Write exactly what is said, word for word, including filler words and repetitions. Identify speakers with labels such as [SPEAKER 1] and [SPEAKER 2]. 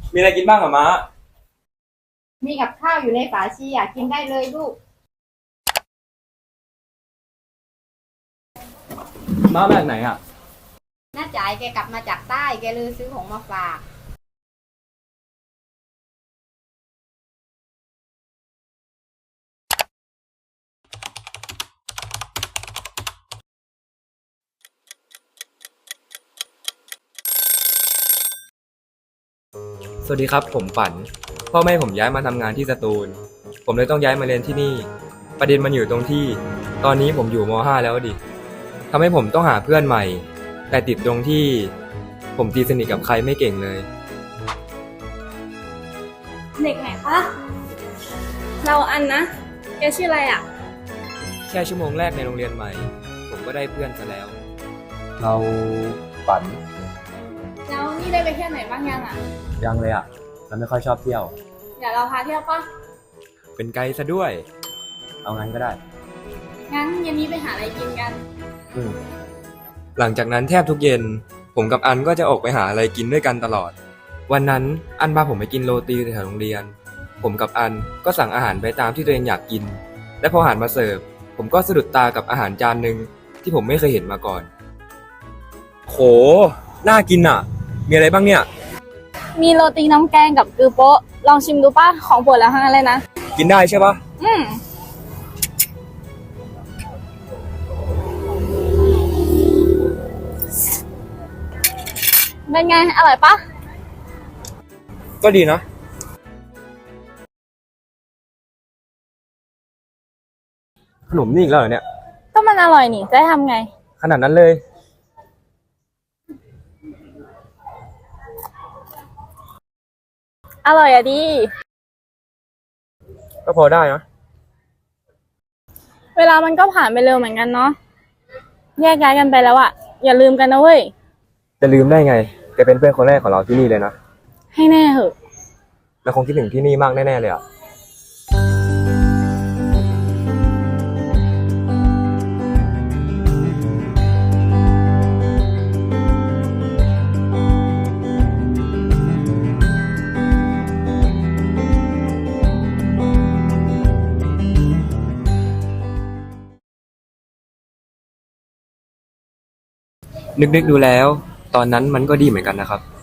[SPEAKER 1] มีอะไรกินบ้างอะม้า
[SPEAKER 2] มีกับข้าวอยู่ในฝาชีอยากกินได้เลยลูก
[SPEAKER 1] ม้ามาจากไหนอะ
[SPEAKER 2] น้าจ๋ายแกกลับมาจากใต้แกเลยซื้อของมาฝาก
[SPEAKER 1] สวัสดีครับผมฝันพ่อแม่ผมย้ายมาทำงานที่สตูลผมเลยต้องย้ายมาเรียนที่นี่ประเด็นมันอยู่ตรงที่ตอนนี้ผมอยู่ม .ห้า แล้วดิทำให้ผมต้องหาเพื่อนใหม่แต่ติดตรงที่ผมตีสนิทกับใครไม่เก่งเลย
[SPEAKER 3] เด็กไหนคะ เราอันนะ แกชื่ออะไรอ่ะ
[SPEAKER 1] แค่ชั่วโมงแรกในโรงเรียนใหม่ผมก็ได้เพื่อนซะแล้วเราฝัน
[SPEAKER 3] แล้วนี่ได้ไปเที่ยวไหนบ้างยังอ่ะ
[SPEAKER 1] ยังเลยอ่ะเราไม่ค่อยชอบเที่ยว
[SPEAKER 3] เดี๋ยวเราพาเที่ยวปะ
[SPEAKER 1] เป็นไกด์ซะด้วยเอางั้นก็ได้
[SPEAKER 3] งั้นเย็นนี้ไปหาอะไรกินกัน
[SPEAKER 1] อืมหลังจากนั้นแทบทุกเย็นผมกับอันก็จะออกไปหาอะไรกินด้วยกันตลอดวันนั้นอันพาผมไปกินโรตีแถวโรงเรียนผมกับอันก็สั่งอาหารไปตามที่ตัวเองอยากกินและพออาหารมาเสิร์ฟผมก็สะดุดตากับอาหารจานหนึ่งที่ผมไม่เคยเห็นมาก่อนโหน่ากินอ่ะมีอะไรบ้างเนี่ย
[SPEAKER 3] มีโรตีน้ำแกงกับกือโป๊ะ ลองชิมดูป่ะ ของโปรดแล้วทั้งนั้นเลยนะ
[SPEAKER 1] กินได้ใช่ปะ
[SPEAKER 3] อืมเป็นไง อร่อยปะ
[SPEAKER 1] ก็ดีนะขนมนี่อีกแล้วเหรอเนี่ย
[SPEAKER 3] ก็มันอร่อยนี่ จะให้ทำไง
[SPEAKER 1] ขนาดนั้นเลย
[SPEAKER 3] อร่อยอะดี
[SPEAKER 1] ก็พอได้นะ
[SPEAKER 3] เวลามันก็ผ่านไปเร็วเหมือนกันเนาะ แยกย้ายกันไปแล้วอะอย่าลืมกันนะเว้ย
[SPEAKER 1] จะลืมได้ไงแกเป็นเพื่อนคนแรกของเราที่นี่เลยนะ
[SPEAKER 3] ให้แน่เหอะ
[SPEAKER 1] เราคงคิดถึงที่นี่มากแน่ๆเลยอ่ะนึกๆดูแล้วตอนนั้นมันก็ดีเหมือนกันนะครับ